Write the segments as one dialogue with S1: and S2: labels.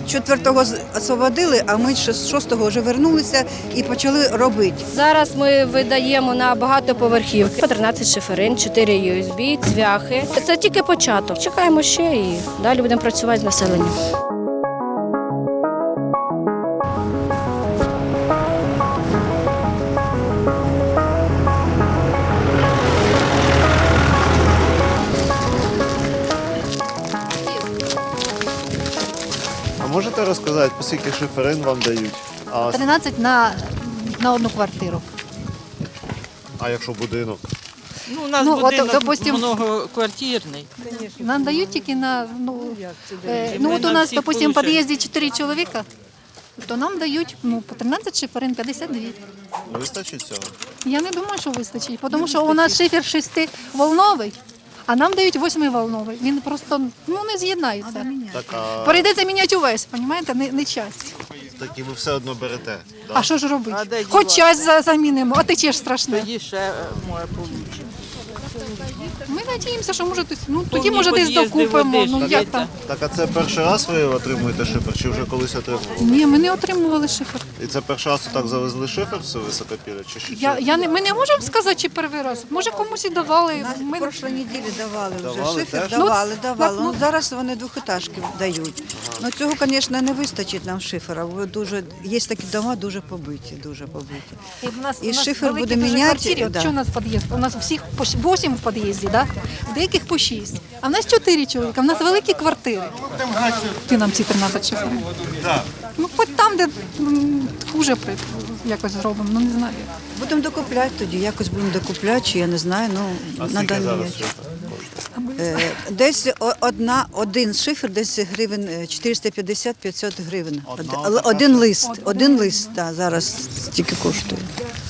S1: 4-го освободили, а ми 6-го вже вернулися і почали робити.
S2: Зараз ми видаємо на багатоповерхівки. 13 шиферин, 4 USB, цвяхи. Це тільки початок. Чекаємо ще і далі будемо працювати з населенням.
S3: А можете розказати, по скільки шиферин вам дають?
S4: 13 на одну квартиру.
S3: А якщо будинок?
S5: Ну, у нас
S4: Ну, от,
S5: будинок
S4: допустим,
S5: многоквартирний.
S4: Нам дають тільки на,
S5: Ми
S4: от у
S5: на
S4: нас,
S5: всіх
S4: допустим, в
S5: получаємо.
S4: під'їзді 4 чоловіка, то нам дають по 13 шиферин, 52.
S3: Вистачить цього?
S4: Я не думаю, що вистачить, тому що у нас шифер 6-волновий, а нам дають 8-волновий. Він просто не з'єднається.
S3: Так, а
S4: Прийдеться міняти увесь, розумієте, не часть.
S3: такі ви все одно берете? Да?
S4: А що ж робити?
S5: А де
S4: Хоч
S5: дівати?
S4: часть замінимо, а тече ж страшне.
S5: Тоді ще може получше.
S4: Ми надіємося, що може тоді
S5: Повні
S4: може десь
S5: під'їзди
S4: докупимо.
S5: води,
S4: Ну
S5: так,
S4: як
S5: це-
S4: там?
S3: Так, а це перший раз ви отримуєте шифер, чи вже колись отримували?
S4: Ні, ми не отримували шифер.
S3: І це перший раз так завезли шифер все високопілля? Чи що?
S4: Ми не можемо сказати, чи перший раз. Може комусь і давали.
S1: Нас в прошлій неділі давали вже
S3: Давали
S1: шифер,
S3: теж?
S1: давали.
S4: Ну,
S1: Ну, зараз вони двохетажки дають. Ну, цього, звісно, не вистачить нам шифера, бо є такі дома дуже побиті, дуже побиті. І шифер буде міняти, да.
S4: Що у нас під'їзд? У нас всіх по 8 в під'їзді, да? В деяких по 6. А в нас 4 чоловіка, в нас великі квартири. Ти нам ці 13 шиферів. Ну, хоч там, де хуже якось зробимо, ну не знаю.
S1: Будемо докупляти тоді, якось будемо докупляти, чи я не знаю,
S3: А
S1: на
S3: скільки
S1: даний
S3: зараз
S1: час.
S3: шифер коштує?
S1: Десь один шифер, десь гривень 450-500 гривень.
S3: Одна
S1: Один лист да, зараз стільки коштує.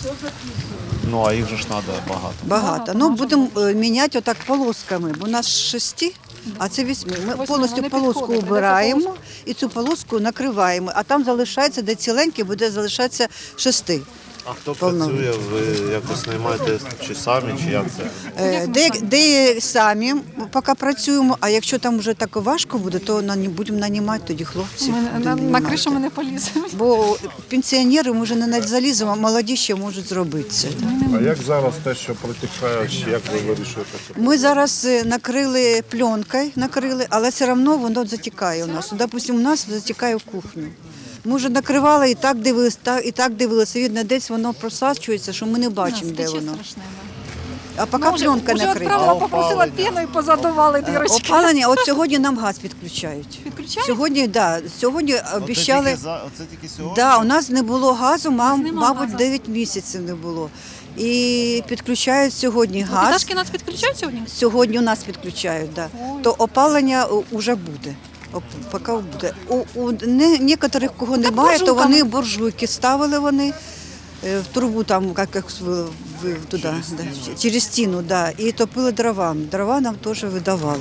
S3: Ну, а їх же ж треба багато.
S1: Багато. Ну, будемо міняти отак полосками, бо у нас 6, а це 8. Ми
S4: Восьми,
S1: повністю
S4: вони
S1: полоску
S4: підходять,
S1: убираємо і цю полоску накриваємо, а там залишається, де ціленьке, буде залишатися 6.
S3: А хто
S1: Повно.
S3: працює? Ви якось наймаєте чи самі, чи як це?
S1: Де самі поки працюємо, а якщо там вже так важко буде, то будемо нанімати тоді хлопців.
S4: Ми
S1: будемо
S4: на
S1: нанімати.
S4: кришу ми не поліземо.
S1: Бо пенсіонери ми вже не заліземо, а молоді ще можуть зробити це.
S6: А як зараз те, що протікає, чи як ви вирішуєте це?
S1: Ми зараз накрили пленкою, але все одно воно затікає у нас. Допустимо, у нас затікає в кухню. Ми вже накривали і так дивилися, Видно, десь воно просачується, що ми не бачимо, де воно. А поки пленка
S4: Вже
S1: накрита.
S4: відправила, попросила піну і позадували дірочки.
S1: Опалення, от сьогодні нам газ підключають.
S4: Підключають?
S1: Сьогодні, да, сьогодні обіцяли.
S3: Оце тільки сьогодні?
S1: Да, у нас не було газу,
S4: нема
S1: мабуть,
S4: газу.
S1: 9 місяців не було. І підключають сьогодні газ.
S4: Пташки нас підключають сьогодні?
S1: Сьогодні у нас підключають, да. То опалення вже буде. Поки буде. У некоторих, кого немає, то
S4: буржуйками.
S1: вони буржуйки ставили вони в трубу там, як туди, через стіну, да, і топили дровами. Дрова нам теж видавали.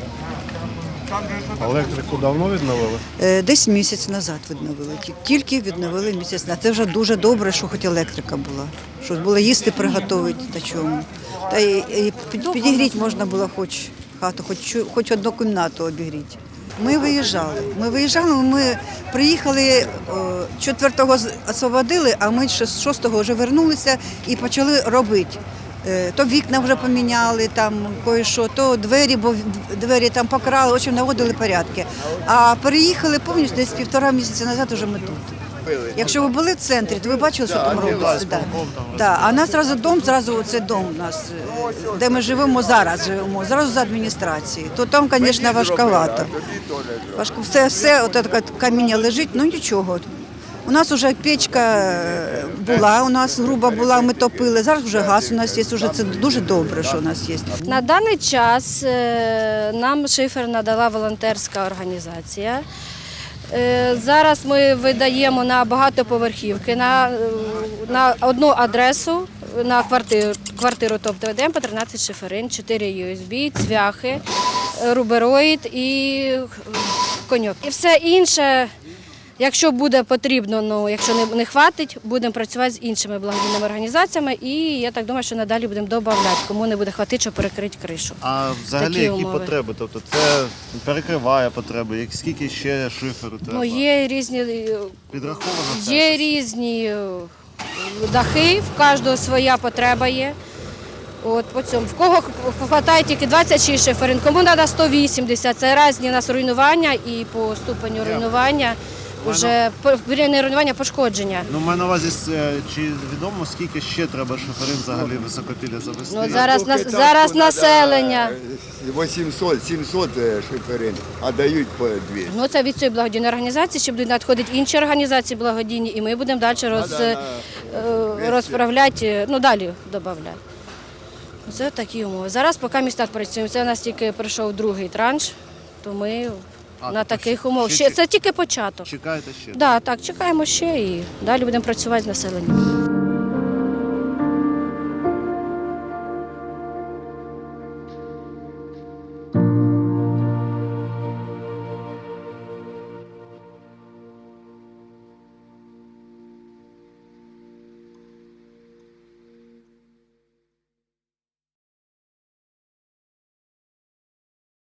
S6: Електрику давно відновили?
S1: Десь місяць назад відновили. Тільки відновили місяць назад. Це вже дуже добре, що хоч електрика була. Що було їсти приготувати та чому. Та і підігріти можна було хоч хату, хоч одну кімнату обігріти. Ми виїжджали, ми приїхали 4-го освободили, а ми 6-го вже вернулися і почали робити. То вікна вже поміняли, там кое-що, то двері, бо двері там покрали, в общем, наводили порядки. А переїхали повністю десь 1,5 місяця назад уже ми тут. Якщо ви були в центрі, то ви бачили, що там робиться. Да. А у нас зразу це дом у нас, де ми живемо, зразу за адміністрацією. То там, звісно, важковато. Все от таке каміння лежить, ну нічого. У нас вже печка була, у нас груба була, ми топили. Зараз вже газ у нас є, це дуже добре, що у нас є.
S2: На даний час нам шифер надала волонтерська організація. Зараз ми видаємо на багатоповерхівки, на одну адресу, на квартиру, тобто видаємо по 13 шиферин, 4 USB, цвяхи, рубероїд і коньок. І все інше, Якщо буде потрібно, ну якщо не хватить, будемо працювати з іншими благодійними організаціями і я так думаю, що надалі будемо додавати, кому не буде хватити, щоб перекрити кришу.
S3: А взагалі
S2: Такі
S3: які
S2: умови.
S3: потреби? Тобто це перекриває потреби, скільки ще шиферу треба?
S2: Ну, є різні,
S3: Підраховано це?
S2: є
S3: щось?
S2: різні дахи, в кожного своя потреба є. От по цьому. В кого вистачає тільки 26 шиферин, кому треба 180. Це різні у нас руйнування і по ступеню руйнування, вже не руйнування, пошкодження.
S3: Ну, маю на увазі, чи відомо, скільки ще треба шиферин взагалі високопілля завести?
S2: Ну, зараз населення.
S7: 800-700 шиферин, а дають по 200.
S2: Ну, це від цієї благодійної організації, ще будуть надходити інші організації благодійні, і ми будемо далі розправляти, ну далі додати. Це такі умови. Зараз поки ми так працюємо. Це у нас тільки прийшов другий транш, то ми на таких умовах. Це тільки початок.
S3: Чекаєте ще?
S2: Так, чекаємо ще і далі будемо працювати з населенням.